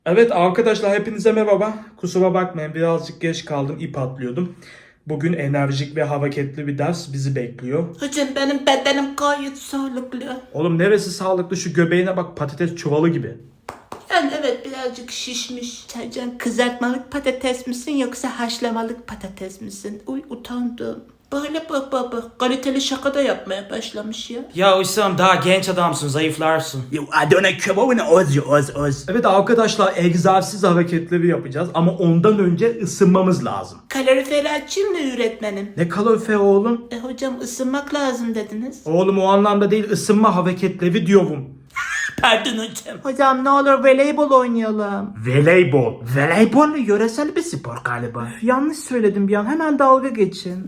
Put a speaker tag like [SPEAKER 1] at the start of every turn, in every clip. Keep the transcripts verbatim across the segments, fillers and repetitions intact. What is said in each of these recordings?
[SPEAKER 1] Evet arkadaşlar hepinize merhaba. Kusura bakmayın birazcık geç kaldım, ip atlıyordum. Bugün enerjik ve hareketli bir ders bizi bekliyor.
[SPEAKER 2] Hocam benim bedenim gayet sağlıklı.
[SPEAKER 1] Oğlum neresi sağlıklı, şu göbeğine bak, patates çuvalı gibi.
[SPEAKER 2] Yani evet birazcık şişmiş. Hocam kızartmalık patates misin yoksa haşlamalık patates misin? Uy utandım. Böyle bak bak bak kaliteli şaka da yapmaya başlamış ya.
[SPEAKER 3] Ya Hüsam daha genç adamsın, zayıflarsın.
[SPEAKER 4] Ya Adana kebabını oz ya oz oz.
[SPEAKER 1] Evet arkadaşlar egzersiz hareketleri yapacağız ama ondan önce ısınmamız lazım.
[SPEAKER 2] Kaloriferi açayım mı öğretmenim?
[SPEAKER 1] Ne kalorifer oğlum?
[SPEAKER 2] E hocam ısınmak lazım dediniz.
[SPEAKER 1] Oğlum o anlamda değil, ısınma hareketleri diyorum.
[SPEAKER 2] Pardon hocam.
[SPEAKER 4] Hocam ne olur voleybol oynayalım.
[SPEAKER 1] Voleybol.
[SPEAKER 4] Voleybol yöresel bir spor galiba. Yanlış söyledim bir an, hemen dalga geçin.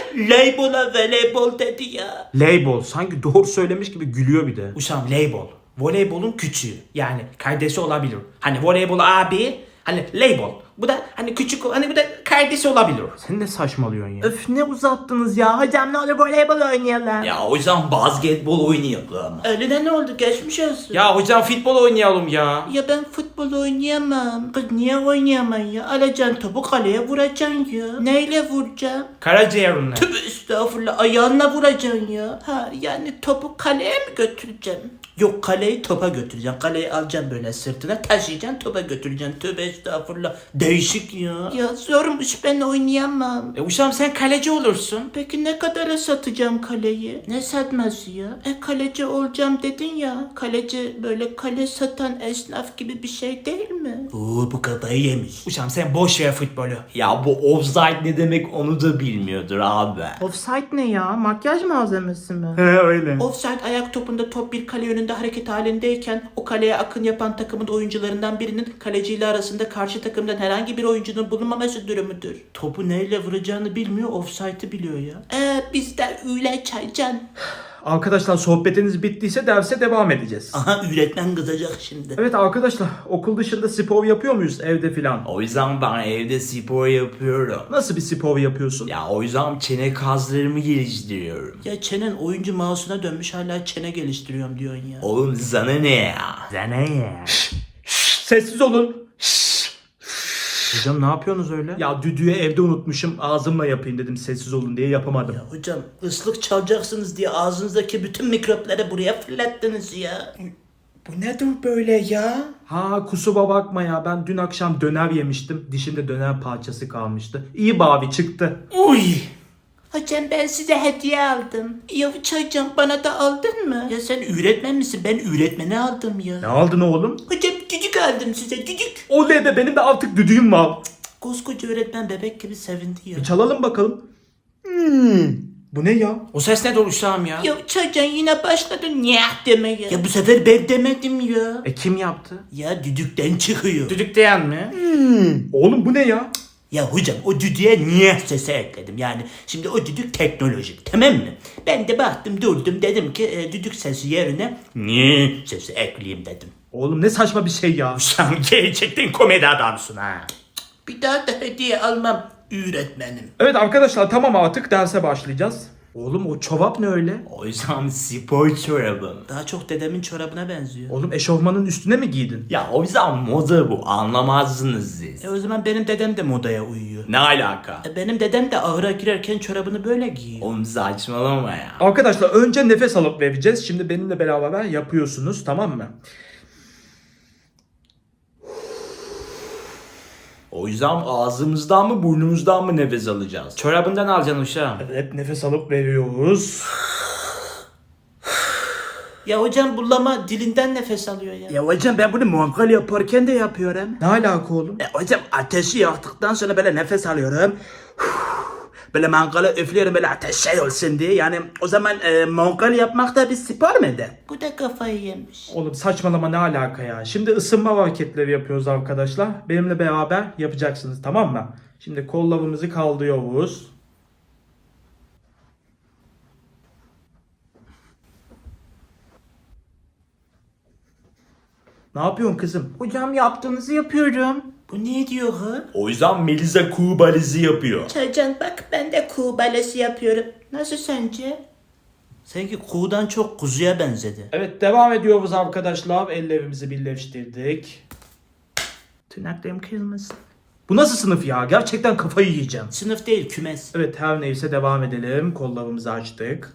[SPEAKER 2] Leybola voleybol dedi ya.
[SPEAKER 1] Label sanki doğru söylemiş gibi gülüyor bir de.
[SPEAKER 3] Hüsam label. Voleybolun küçüğü. Yani kardeşi olabilir. Hani voleybol abi, hani label. Bu da hani küçük, hani bu da kardeşi olabilir.
[SPEAKER 1] Sen ne saçmalıyorsun ya?
[SPEAKER 4] Öf ne uzattınız ya. Hocam ne olur voleybol oynayalım.
[SPEAKER 3] Ya hocam basketbol oynayalım.
[SPEAKER 2] Öyle ne oldu geçmiş olsun.
[SPEAKER 3] Ya hocam futbol oynayalım ya.
[SPEAKER 2] Ya ben futbol oynayamam. Kız niye oynayamam ya? Alacaksın topu kaleye vuracaksın ya. Neyle vuracaksın?
[SPEAKER 3] Karaciğerinle.
[SPEAKER 2] Tövbe estağfurullah ayağınla vuracaksın ya. Ha yani topu kaleye mi götüreceksin? Yok kaleyi topa götüreceksin. Kaleyi alacaksın böyle sırtına taşıyacaksın topa götüreceksin. Tövbe estağfurullah. Değişik ya. Ya zormuş ben oynayamam.
[SPEAKER 3] E Hüsam sen kaleci olursun.
[SPEAKER 2] Peki ne kadara satacağım kaleyi? Ne satması ya? E kaleci olacağım dedin ya. Kaleci böyle kale satan esnaf gibi bir şey değil mi? Oo bu kafayı yemiş.
[SPEAKER 3] Hüsam sen boş ver futbolu. Ya bu offside ne demek onu da bilmiyordur abi.
[SPEAKER 4] Offside ne ya? Makyaj malzemesi mi?
[SPEAKER 1] He öyle.
[SPEAKER 2] Offside ayak topunda top bir kale yönünde hareket halindeyken o kaleye akın yapan takımın oyuncularından birinin kaleciyle arasında karşı takımdan herhangi bir oyuncunun bulunmaması durumudur. Topu neyle vuracağını bilmiyor, offside'ı biliyor ya. Eee biz de öyle çaycan.
[SPEAKER 1] Arkadaşlar sohbetiniz bittiyse derse devam edeceğiz.
[SPEAKER 2] Aha öğretmen kızacak şimdi.
[SPEAKER 1] Evet arkadaşlar okul dışında spor yapıyor muyuz evde filan?
[SPEAKER 3] O yüzden ben evde spor yapıyorum.
[SPEAKER 1] Nasıl bir spor yapıyorsun?
[SPEAKER 3] Ya o yüzden çene kaslarımı geliştiriyorum.
[SPEAKER 2] Ya çenen oyuncu mouse'una dönmüş hala çene geliştiriyorum diyorsun ya.
[SPEAKER 3] Oğlum sana ne ya?
[SPEAKER 4] Sana ya.
[SPEAKER 1] Sessiz olun. Hocam ne yapıyorsunuz öyle? Ya düdüğü evde unutmuşum, ağzımla yapayım dedim, sessiz olun diye yapamadım.
[SPEAKER 2] Ya hocam ıslık çalacaksınız diye ağzınızdaki bütün mikropları buraya fırlattınız ya.
[SPEAKER 3] Bu nedir böyle ya?
[SPEAKER 1] Ha kusura bakma ya, ben dün akşam döner yemiştim. Dişimde döner parçası kalmıştı. İyi babi çıktı.
[SPEAKER 3] Uy!
[SPEAKER 2] Hocam ben size hediye aldım. Ya hocam bana da aldın mı? Ya sen öğretmen misin? Ben öğretmeni aldım ya.
[SPEAKER 1] Ne aldın oğlum?
[SPEAKER 2] Hocam düdük aldım size düdük.
[SPEAKER 1] Oley be, benim de artık düdüğüm var.
[SPEAKER 2] Koskoca öğretmen bebek gibi sevindi ya.
[SPEAKER 1] Bir çalalım bakalım. Hmm. Bu ne ya?
[SPEAKER 3] O ses ne Hüsam ya?
[SPEAKER 2] Ya çocuğun yine başladın nyah demeye. Ya bu sefer ben demedim ya.
[SPEAKER 1] E kim yaptı?
[SPEAKER 2] Ya düdükten çıkıyor.
[SPEAKER 3] Düdük diyen mi?
[SPEAKER 1] Oğlum bu ne ya?
[SPEAKER 2] Ya hocam o düdüğe niye sesi ekledim? Yani şimdi o düdük teknolojik tamam mı? Ben de baktım durdum dedim ki e, düdük sesi yerine niye sesi ekleyeyim dedim.
[SPEAKER 1] Oğlum ne saçma bir şey ya.
[SPEAKER 3] Sen gerçekten komedi adamsın ha.
[SPEAKER 2] Bir daha da hediye almam öğretmenim.
[SPEAKER 1] Evet arkadaşlar tamam, artık derse başlayacağız. Oğlum o çorap ne öyle?
[SPEAKER 3] O yüzden spor çorabım.
[SPEAKER 2] Daha çok dedemin çorabına benziyor.
[SPEAKER 1] Oğlum eşofmanın üstüne mi giydin?
[SPEAKER 3] Ya o yüzden moda bu, anlamazsınız siz.
[SPEAKER 2] E o zaman benim dedem de modaya uyuyor.
[SPEAKER 3] Ne alaka?
[SPEAKER 2] E benim dedem de ahıra girerken çorabını böyle giyiyor.
[SPEAKER 3] Oğlum saçmalama ya.
[SPEAKER 1] Arkadaşlar önce nefes alıp vereceğiz. Şimdi benimle beraber yapıyorsunuz, tamam mı?
[SPEAKER 3] O yüzden ağzımızdan mı burnumuzdan mı nefes alacağız? Çorabından alacaksın uşağım.
[SPEAKER 1] Evet, nefes alıp veriyoruz.
[SPEAKER 2] Ya hocam bu lama dilinden nefes alıyor ya.
[SPEAKER 4] Ya hocam ben bunu mangal yaparken de yapıyorum.
[SPEAKER 1] Ne alaka oğlum?
[SPEAKER 4] E hocam ateşi yaktıktan sonra böyle nefes alıyorum. Böyle mangalı üflüyorum böyle ateş şey olsun diye. Yani o zaman e, mangal yapmak da bir spor muydu?
[SPEAKER 2] Bu da kafayı yemiş.
[SPEAKER 1] Oğlum saçmalama, ne alaka ya? Şimdi ısınma hareketleri yapıyoruz arkadaşlar. Benimle beraber yapacaksınız, tamam mı? Şimdi kollarımızı kaldırıyoruz. Ne yapıyorsun kızım?
[SPEAKER 4] Hocam yaptığınızı yapıyorum.
[SPEAKER 2] Bu ne diyor ha?
[SPEAKER 3] O yüzden Melisa kuğu balizi yapıyor.
[SPEAKER 2] Çaycan bak ben de kuğu balesi yapıyorum. Nasıl sence? Sanki kuğudan çok kuzuya benzedi.
[SPEAKER 1] Evet devam ediyoruz arkadaşlar. Ellerimizi birleştirdik.
[SPEAKER 3] Tırnaklarım kırılmasın.
[SPEAKER 1] Bu nasıl sınıf ya? Gerçekten kafayı yiyeceğim.
[SPEAKER 2] Sınıf değil, kümes.
[SPEAKER 1] Evet her neyse devam edelim. Kollarımızı açtık.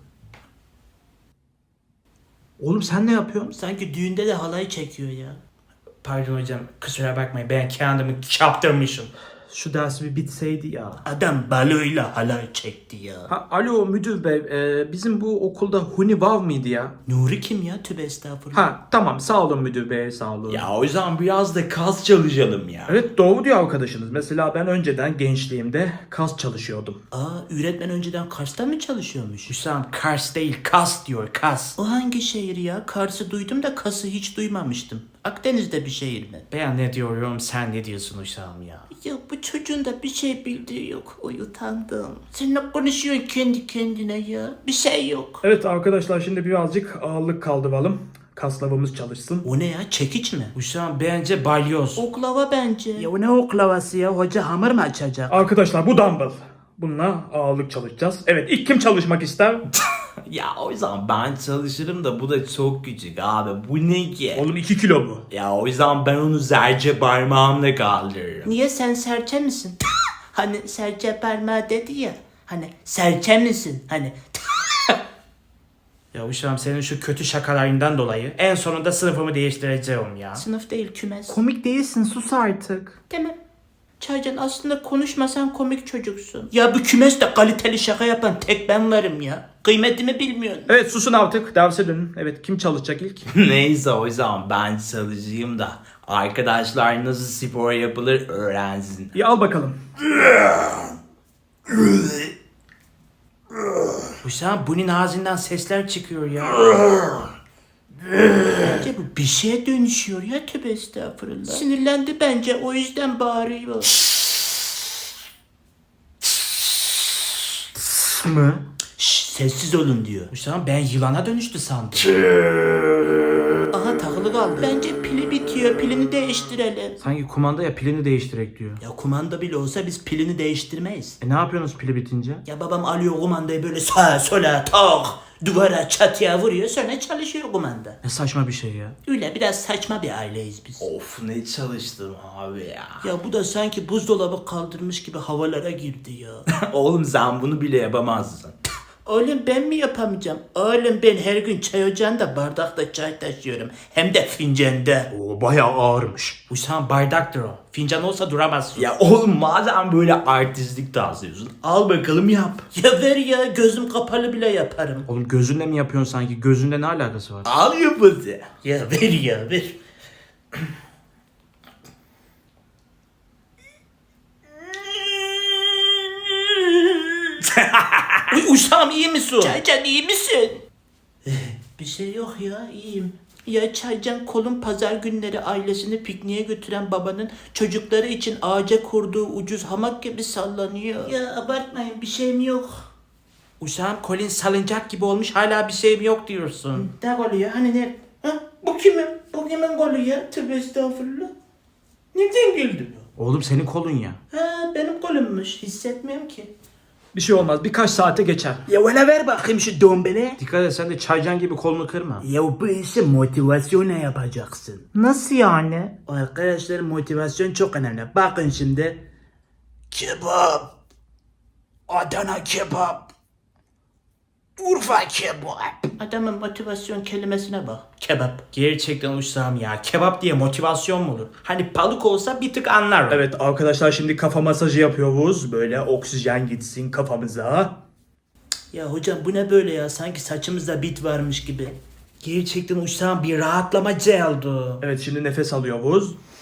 [SPEAKER 1] Oğlum sen ne yapıyorsun?
[SPEAKER 2] Sanki düğünde de halay çekiyor ya.
[SPEAKER 3] Pardon hocam, kusura bakmayın, ben kendimi çaptırmışım.
[SPEAKER 1] Şu ders bir bitseydi ya.
[SPEAKER 2] Adam baloyla halay çekti ya.
[SPEAKER 1] Ha, alo müdür bey, e, bizim bu okulda Huni var mıydı ya?
[SPEAKER 2] Nuri kim ya? Tövbe estağfurullah.
[SPEAKER 1] Ha tamam, sağ olun müdür bey, sağ olun.
[SPEAKER 3] Ya o zaman biraz da kas çalışalım ya.
[SPEAKER 1] Evet doğru diyor arkadaşınız. Mesela ben önceden gençliğimde kas çalışıyordum.
[SPEAKER 2] Aa, öğretmen önceden Kars'ta mı çalışıyormuş?
[SPEAKER 3] Hüsam Kars değil, kas diyor, kas.
[SPEAKER 2] O hangi şehir ya? Kars'ı duydum da Kas'ı hiç duymamıştım. Akdeniz'de bir şehir mi?
[SPEAKER 3] Ben ne diyorum, sen ne diyorsun Hüsam ya?
[SPEAKER 2] Ya bu çocuğun da bir şey bildiği yok. Oy utandım. Sen ne konuşuyorsun kendi kendine ya? Bir şey yok.
[SPEAKER 1] Evet arkadaşlar, şimdi birazcık ağırlık kaldıralım. Kaslarımız çalışsın.
[SPEAKER 2] O ne ya? Çekiç mi?
[SPEAKER 3] Hüsam bence balyoz.
[SPEAKER 2] Oklava bence.
[SPEAKER 4] Ya o ne oklavası ya? Hoca hamur mu açacak?
[SPEAKER 1] Arkadaşlar bu dumbbell. Bununla ağırlık çalışacağız. Evet, ilk kim çalışmak ister?
[SPEAKER 3] Ya o zaman ben çalışırım da bu da çok küçük abi. Bu ne ki?
[SPEAKER 1] Oğlum iki kilo bu.
[SPEAKER 3] Ya o zaman ben onu serçe parmağımla kaldırırım.
[SPEAKER 2] Niye, sen serçe misin? Hani serçe parmağı dedi ya. Hani serçe misin? Hani
[SPEAKER 3] Ya Hüsam, senin şu kötü şakalarından dolayı en sonunda sınıfımı değiştireceğim ya.
[SPEAKER 2] sınıf değil, kümes.
[SPEAKER 1] Komik değilsin, sus artık.
[SPEAKER 2] Tamam. Çaycan, aslında konuşmasan komik çocuksun. Ya bu kümeste kaliteli şaka yapan tek ben varım ya. Kıymetimi bilmiyorsun.
[SPEAKER 1] Evet susun artık, derse dönün. Evet, kim çalışacak ilk?
[SPEAKER 3] Neyse o zaman ben çalışayım da arkadaşlar nasıl spor yapılır öğrensin.
[SPEAKER 1] İyi, al bakalım.
[SPEAKER 3] Hüsam, bunun ağzından sesler çıkıyor ya.
[SPEAKER 2] Bence bu bir şeye dönüşüyor ya, tövbe estağfurullah. Sinirlendi bence, o yüzden bağırıyor.
[SPEAKER 1] Mı?
[SPEAKER 2] Şşş, sessiz olun diyor.
[SPEAKER 3] Hüsam, ben yılana dönüştü sandım.
[SPEAKER 2] Aha, takılı kaldı. Bence pili bitiyor, pilini değiştirelim.
[SPEAKER 1] Sanki kumanda ya, pilini değiştirek diyor.
[SPEAKER 2] Ya kumanda bile olsa biz pilini değiştirmeyiz.
[SPEAKER 1] E ne yapıyorsunuz pili bitince?
[SPEAKER 2] Ya babam alıyor kumandayı böyle sağa sola tak, duvara çatıya vuruyor, sonra çalışıyor kumanda.
[SPEAKER 1] Ne saçma bir şey ya.
[SPEAKER 2] Öyle biraz saçma bir aileyiz biz.
[SPEAKER 3] Of, ne çalıştım abi ya.
[SPEAKER 2] Ya bu da sanki buzdolabı kaldırmış gibi havalara girdi ya.
[SPEAKER 3] Oğlum sen bunu bile yapamazsın.
[SPEAKER 2] Oğlum ben mi yapamayacağım? Oğlum ben her gün çay ocağında bardakta çay taşıyorum. Hem de fincanda.
[SPEAKER 1] O bayağı ağırmış.
[SPEAKER 3] Hüsam, bardaktır o. Fincan olsa duramazsın. Ya oğlum, madem böyle artistlik taslıyorsun, al bakalım yap.
[SPEAKER 2] Ya ver ya, gözüm kapalı bile yaparım.
[SPEAKER 1] Oğlum gözünle mi yapıyorsun sanki? Gözünle ne alakası var?
[SPEAKER 3] Al yap hadi.
[SPEAKER 2] Ya ver ya ver. Uy, Uşağım iyi misin? Çaycan iyi misin? Bir şey yok ya, iyiyim. Ya Çaycan, kolun pazar günleri ailesini pikniğe götüren babanın çocukları için ağaca kurduğu ucuz hamak gibi sallanıyor. Ya abartmayın, bir şeyim yok.
[SPEAKER 3] Hüsam, kolin salıncak gibi olmuş, hala bir şeyim yok diyorsun.
[SPEAKER 2] Ne golü ya? Hani ne? Ha? Bu kimin? Bu kimin golü ya? Tövbe estağfurullah. Nereden geldi bu?
[SPEAKER 1] Oğlum senin kolun ya.
[SPEAKER 2] Ha, benim golümmüş. Hissetmiyorum ki.
[SPEAKER 1] Bir şey olmaz, birkaç saate geçer.
[SPEAKER 4] Ya öyle ver bakayım şu dombele.
[SPEAKER 1] Dikkat et, sen de çaycan gibi kolunu kırma.
[SPEAKER 4] Ya bu işi motivasyonla yapacaksın.
[SPEAKER 1] Nasıl yani?
[SPEAKER 4] Arkadaşlar, motivasyon çok önemli. Bakın şimdi. Kebap. Adana kebap. Urfa kebap.
[SPEAKER 2] Adamın motivasyon kelimesine bak. Kebap.
[SPEAKER 3] Gerçekten Hüsam ya, kebap diye motivasyon mu olur? Hani balık olsa bir tık anlarım.
[SPEAKER 1] Evet arkadaşlar, şimdi kafa masajı yapıyoruz. Böyle oksijen gitsin kafamıza.
[SPEAKER 2] Ya hocam bu ne böyle ya? Sanki saçımızda bit varmış gibi.
[SPEAKER 3] Gerçekten Hüsam, bir rahatlama geldi.
[SPEAKER 1] Evet, şimdi nefes alıyoruz.